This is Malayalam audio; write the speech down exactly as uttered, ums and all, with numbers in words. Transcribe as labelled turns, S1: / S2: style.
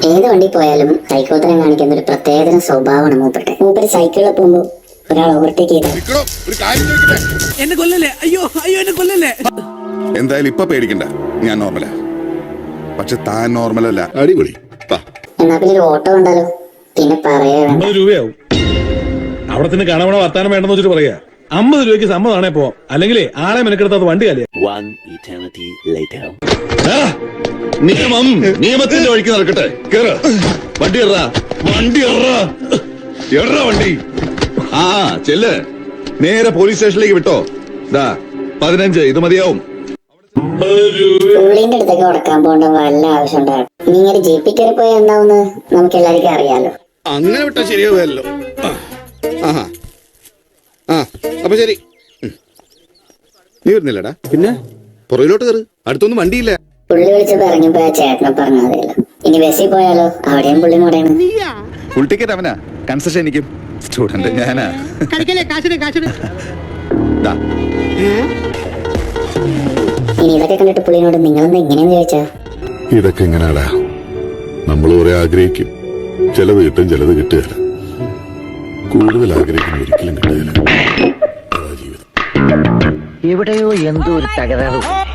S1: ഏത് വണ്ടി പോയാലും സൈക്കോത്തരം കാണിക്കുന്ന ഒരു പ്രത്യേകതരം സ്വഭാവമാണ് മൂപ്പരുടെ. മൂപ്പര് സൈക്കിളിൽ പോകുമ്പോ ഒരാൾ ഓവർടേക്ക് ചെയ്താൽ
S2: എന്നെ കൊല്ലല്ലേ, അയ്യോ അയ്യോ എന്നെ കൊല്ലല്ലേ.
S3: എന്തായാലും ഇപ്പൊ പേടിക്കണ്ട, ഞാൻ നോർമലാ. പക്ഷെ താൻ നോർമലല്ല.
S4: അടിപൊളി.
S1: എന്നാ പിന്നെ ഒരു ഓട്ടോ ഉണ്ടല്ലോ, പിന്നെ പറയാ
S2: അമ്പത് രൂപയാവും. അവിടെ തന്നെ കാണാൻ വർത്താനം വേണ്ടെന്ന് വെച്ചിട്ട് പറയാ. അമ്പത് രൂപയ്ക്ക് സമ്മതമാണേ പോവാം, അല്ലെങ്കിൽ ആളെ മെനക്കെടുത്താത്ത വണ്ടി കാലേ.
S4: നിയമം നിയമത്തിന്റെ വഴിക്ക് നടക്കട്ടെ. കേറ് വണ്ടി എറാ, വണ്ടി എറാ, എറാ വണ്ടി. ആ ചെല്ല്, നേരെ പോലീസ് സ്റ്റേഷനിലേക്ക് വിട്ടോ. ദാ പതിനഞ്ച്, ഇത് മതിയാവും.
S1: പുള്ളിന്റെ അടുത്തൊക്കെ ഉടക്കാൻ പോകേണ്ട വല്ല ആവശ്യം ഉണ്ടാകും. നീ ഇങ്ങനെ ജീപ്പിൽ കയറി പോയാൽ എന്താവുന്ന് നമുക്ക് എല്ലാവർക്കും അറിയാലോ.
S4: അങ്ങനെ വിട്ടാ ശരിയാവുമല്ലോ. ആഹാ ആ അപ്പൊ ശരി. നീ വരുന്നില്ലടാ? പിന്നെ പുറകിലോട്ട് കയറ്, അടുത്തൊന്നും വണ്ടിയില്ല.
S1: പുള്ളി വിളിച്ചപ്പോ ഇറങ്ങിപ്പോയ ചേട്ടനെ പറഞ്ഞാൽ മതിയല്ലോ. ഇനി ബസ്സിൽ പോയാലോ, അവിടെയും പുള്ളി മുടയാണ്.
S3: ഫുൾ ടിക്കറ്റ് അവനാ, കൺസെഷൻ എനിക്കും. സ്റ്റുഡന്റ് ഞാനാ. ദാ.
S1: ഇനി ഇതൊക്കെ കണ്ടിട്ട് പുള്ളിനോട് നിങ്ങളെന്താ ഇങ്ങനെയെന്ന് ചോദിച്ചാ?
S5: ഇതൊക്കെ എങ്ങനെയാടാ, നമ്മൾ കുറെ ആഗ്രഹിക്കും, ചിലത് കിട്ടും ചിലത് കിട്ടുകയില്ല. കൂടുതൽ ആഗ്രഹിക്കുന്ന ഒരിക്കലും കിട്ടുകയില്ല. അതാ ജീവിതം.
S6: എവിടെയോ എന്തോ ഒരു തകരാറ്.